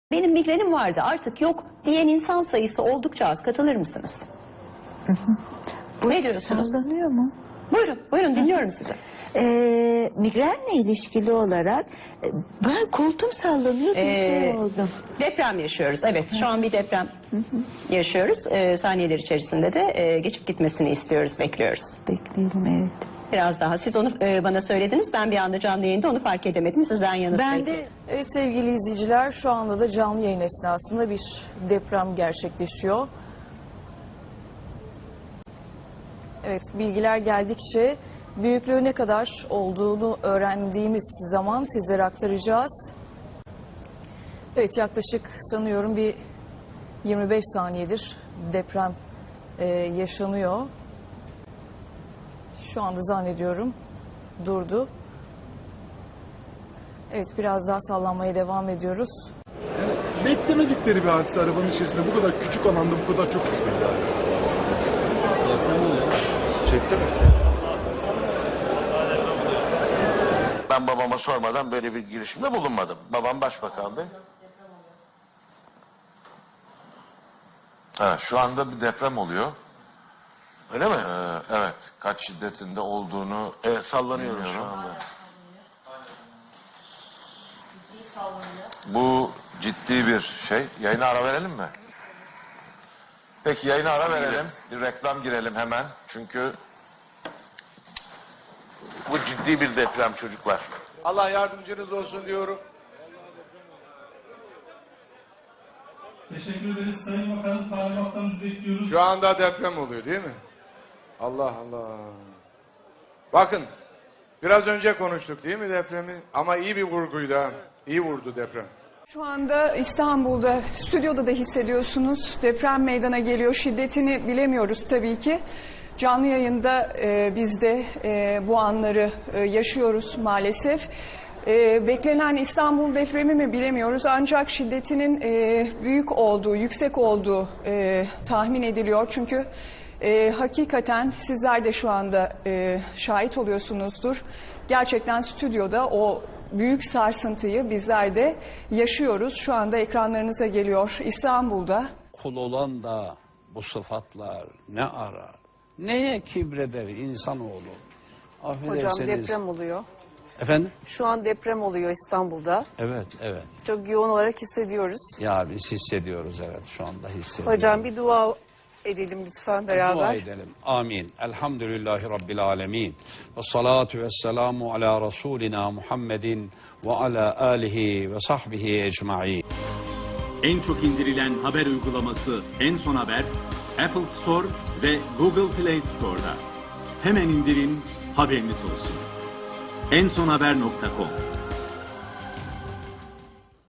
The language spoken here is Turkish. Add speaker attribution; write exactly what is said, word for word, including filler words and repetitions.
Speaker 1: Benim migrenim vardı artık yok diyen insan sayısı oldukça az. Katılır mısınız?
Speaker 2: Hı hı. Bu
Speaker 1: Ne diyorsunuz?
Speaker 2: Sallanıyor mu?
Speaker 1: Buyurun, buyurun dinliyorum sizi.
Speaker 2: Ee, migrenle ilişkili olarak e, ben koltuğum sallanıyor bir
Speaker 1: Ee,
Speaker 2: şey oldu.
Speaker 1: Deprem yaşıyoruz. Evet, şu an bir deprem yaşıyoruz. Ee, saniyeler içerisinde de e, geçip gitmesini istiyoruz, bekliyoruz.
Speaker 2: Bekleyelim, evet.
Speaker 1: Biraz daha. Siz onu e, bana söylediniz. Ben bir anda canlı yayında onu fark edemedim. Sizden yanıt
Speaker 2: Ben
Speaker 1: bekliyorum.
Speaker 2: de
Speaker 3: Evet sevgili izleyiciler, şu anda da canlı yayın esnasında bir deprem gerçekleşiyor. Evet, bilgiler geldikçe büyüklüğü ne kadar olduğunu öğrendiğimiz zaman sizlere aktaracağız. Evet, yaklaşık sanıyorum bir yirmi beş saniyedir deprem e, yaşanıyor. Şu anda zannediyorum durdu. Evet, biraz daha sallanmaya devam ediyoruz.
Speaker 4: Yani beklemedikleri bir hadise arabanın içerisinde bu kadar küçük alanda bu kadar çok hızlı. Çeksene.
Speaker 5: Ben babama sormadan böyle bir girişimde bulunmadım. Babam başbakandı. Ha, şu anda bir deprem oluyor. Öyle mi? Ee, evet. Kaç şiddetinde olduğunu evet, sallanıyorum şu anda. Bu ciddi bir şey. Yayına ara verelim mi? Peki yayına ara verelim. Bir reklam girelim hemen. Çünkü bu ciddi bir deprem çocuklar.
Speaker 6: Allah yardımcınız olsun diyorum.
Speaker 7: Teşekkür ederiz. Sayın Bakanım, talimatlarınızı bekliyoruz.
Speaker 6: Şu anda deprem oluyor değil mi? Allah Allah. Bakın biraz önce konuştuk değil mi depremi? Ama iyi bir vurguydu ha. İyi vurdu deprem.
Speaker 8: Şu anda İstanbul'da, stüdyoda da hissediyorsunuz. Deprem meydana geliyor. Şiddetini bilemiyoruz tabii ki. Canlı yayında e, biz de e, bu anları e, yaşıyoruz maalesef. E, beklenen İstanbul depremi mi bilemiyoruz. Ancak şiddetinin e, büyük olduğu, yüksek olduğu e, tahmin ediliyor. Çünkü e, hakikaten sizler de şu anda e, şahit oluyorsunuzdur. Gerçekten stüdyoda o büyük sarsıntıyı bizler de yaşıyoruz. Şu anda ekranlarınıza geliyor İstanbul'da.
Speaker 9: Kul olan da bu sıfatlar ne arar? Neye kibreder insanoğlu? Affedersiniz.
Speaker 10: Hocam deprem oluyor.
Speaker 9: Efendim?
Speaker 10: Şu an deprem oluyor İstanbul'da.
Speaker 9: Evet, evet.
Speaker 10: Çok yoğun olarak hissediyoruz.
Speaker 9: Ya biz hissediyoruz, evet, şu anda hissediyoruz.
Speaker 10: Hocam bir dua edelim lütfen beraber.
Speaker 9: Dua edelim. Amin. Elhamdülillahi Rabbil alemin. Ve salatu ve selamu ala Resulina Muhammedin ve ala alihi ve sahbihi ecma'in.
Speaker 11: En çok indirilen haber uygulaması En Son Haber, Apple Store ve Google Play Store'da. Hemen indirin, haberiniz olsun. en son haber nokta com